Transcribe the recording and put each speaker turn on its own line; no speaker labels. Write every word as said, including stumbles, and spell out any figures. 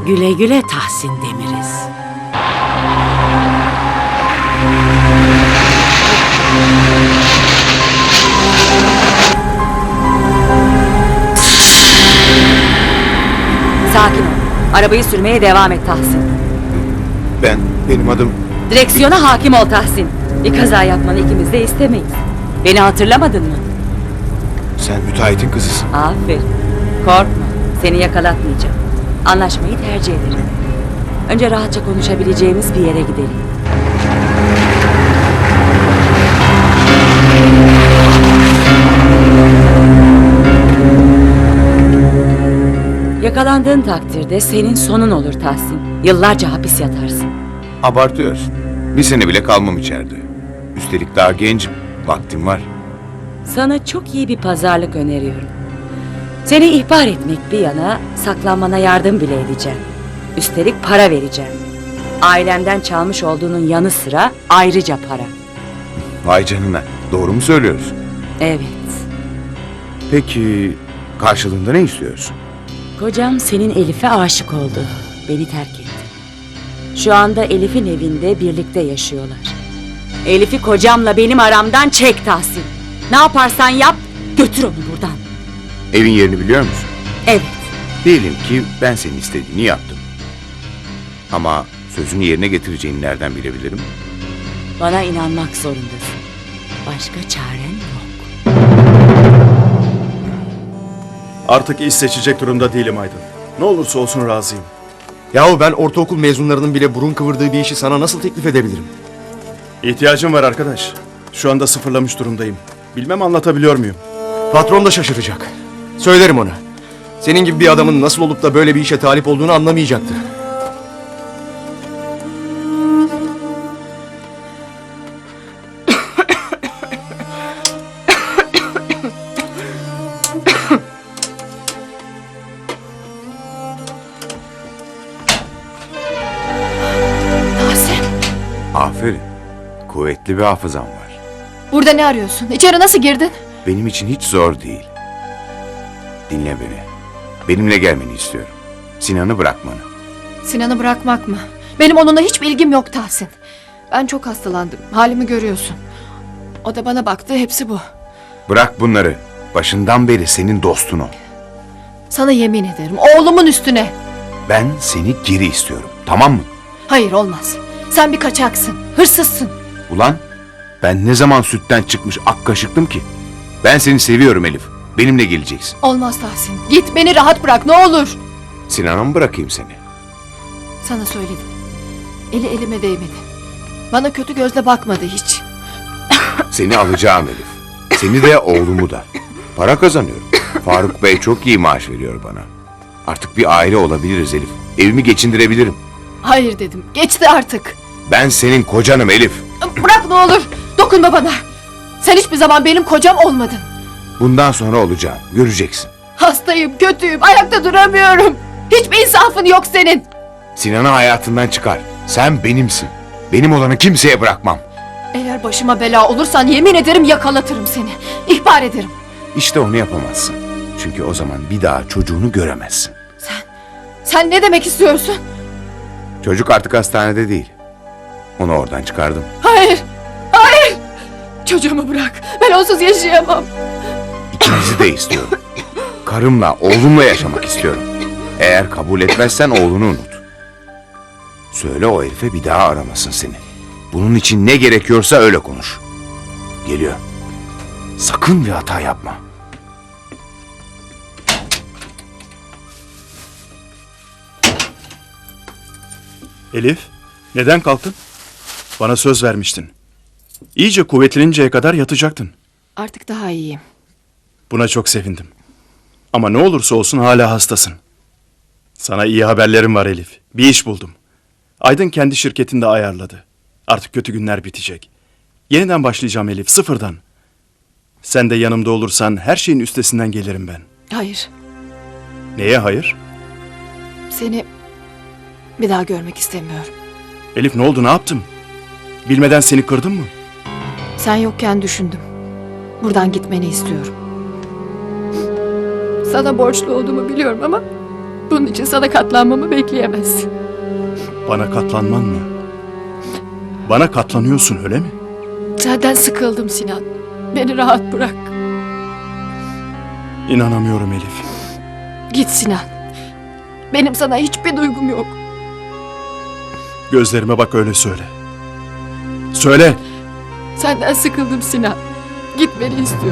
Güle güle Tahsin Demiriz.
Sakin ol. Arabayı sürmeye devam et Tahsin.
Ben, benim adım...
Direksiyona hakim ol Tahsin. Bir kaza yapmanı ikimiz de istemeyiz. Beni hatırlamadın mı?
Sen müteahhitin kızısın.
Aferin. Korkma. Seni yakalatmayacağım. Anlaşmayı tercih ederim. Önce rahatça konuşabileceğimiz bir yere gidelim. Yakalandığın takdirde senin sonun olur Tahsin. Yıllarca hapis yatarsın.
Abartıyorsun. Bir sene bile kalmam içeride. Üstelik daha gencim. Vaktim var.
Sana çok iyi bir pazarlık öneriyorum. Seni ihbar etmek bir yana saklanmana yardım bile edeceğim. Üstelik para vereceğim. Ailemden çalmış olduğunun yanı sıra ayrıca para.
Vay canına. Doğru mu söylüyorsun?
Evet.
Peki karşılığında ne istiyorsun?
Kocam senin Elif'e aşık oldu. Beni terk etti. Şu anda Elif'in evinde birlikte yaşıyorlar. Elif'i kocamla benim aramdan çek Tahsin. Ne yaparsan yap, götür onu buradan.
Evin yerini biliyor musun?
Evet.
Diyelim ki ben senin istediğini yaptım. Ama sözünü yerine getireceğini nereden bilebilirim?
Bana inanmak zorundasın. Başka çaren yok.
Artık iş seçecek durumda değilim Aydın. Ne olursa olsun razıyım.
Yahu ben ortaokul mezunlarının bile burun kıvırdığı bir işi sana nasıl teklif edebilirim?
İhtiyacım var arkadaş. Şu anda sıfırlamış durumdayım. Bilmem anlatabiliyor muyum?
Patron da şaşıracak. Söylerim ona. Senin gibi bir adamın nasıl olup da böyle bir işe talip olduğunu anlamayacaktı.
Tahsin,
Aferin. Kuvvetli bir hafızan var.
burada ne arıyorsun? İçeri nasıl girdin?
Benim için hiç zor değil. Dinle beni. Benimle gelmeni istiyorum. Sinan'ı bırakmanı.
Sinan'ı bırakmak mı? Benim onunla hiçbir ilgim yok Tahsin. Ben çok hastalandım. Halimi görüyorsun. O da bana baktı. Hepsi bu.
Bırak bunları. Başından beri senin dostun o.
Sana yemin ederim. Oğlumun üstüne.
Ben seni geri istiyorum. Tamam mı?
Hayır, olmaz. Sen bir kaçaksın. Hırsızsın.
Ulan ben ne zaman sütten çıkmış ak kaşıktım ki? Ben seni seviyorum Elif. Benimle geleceksin.
Olmaz Tahsin. Git, beni rahat bırak ne olur.
Sinan'a mı bırakayım seni?
Sana söyledim. Eli elime değmedi. Bana kötü gözle bakmadı hiç.
Seni alacağım Elif. Seni de oğlumu da. Para kazanıyorum. Faruk Bey çok iyi maaş veriyor bana. Artık bir aile olabiliriz Elif. Evimi geçindirebilirim.
Hayır dedim. Geçti artık.
Ben senin kocanım Elif.
Bırak ne olur. Dokunma bana. Sen hiçbir zaman benim kocam olmadın.
Bundan sonra olacağım. Göreceksin.
Hastayım, kötüyüm, ayakta duramıyorum. Hiçbir insafın yok senin.
Sinan'ı hayatından çıkar. Sen benimsin. Benim olanı kimseye bırakmam.
Eğer başıma bela olursan yemin ederim yakalatırım seni. İhbar ederim.
İşte onu yapamazsın. Çünkü o zaman bir daha çocuğunu göremezsin.
Sen ne demek istiyorsun?
Çocuk artık hastanede değil. Onu oradan çıkardım.
Hayır, hayır. Çocuğumu bırak. Ben onsuz yaşayamam.
İkinizi de istiyorum. Karımla, oğlumla yaşamak istiyorum. Eğer kabul etmezsen oğlunu unut. Söyle o herife bir daha aramasın seni. Bunun için ne gerekiyorsa öyle konuş. Geliyor. Sakın bir hata yapma.
Elif, neden kalktın? Bana söz vermiştin. İyice kuvvetleninceye kadar yatacaktın.
Artık daha iyiyim.
Buna çok sevindim. Ama ne olursa olsun hala hastasın. Sana iyi haberlerim var Elif. Bir iş buldum. Aydın kendi şirketinde ayarladı. Artık kötü günler bitecek. Yeniden başlayacağım Elif, sıfırdan. Sen de yanımda olursan her şeyin üstesinden gelirim ben.
Hayır,
Neye hayır?
seni bir daha görmek istemiyorum.
Elif ne oldu, ne yaptım? Bilmeden seni kırdım mı?
Sen yokken düşündüm. Buradan gitmeni istiyorum. Sana borçlu olduğumu biliyorum ama Bunun için sana katlanmamı bekleyemezsin.
Bana katlanman mı? Bana katlanıyorsun öyle mi?
Senden sıkıldım Sinan. Beni rahat bırak.
İnanamıyorum Elif.
Git Sinan. Benim sana hiçbir duygum yok.
Gözlerime bak öyle söyle. Söyle.
Senden sıkıldım Sinan. Gitmeni istiyorum.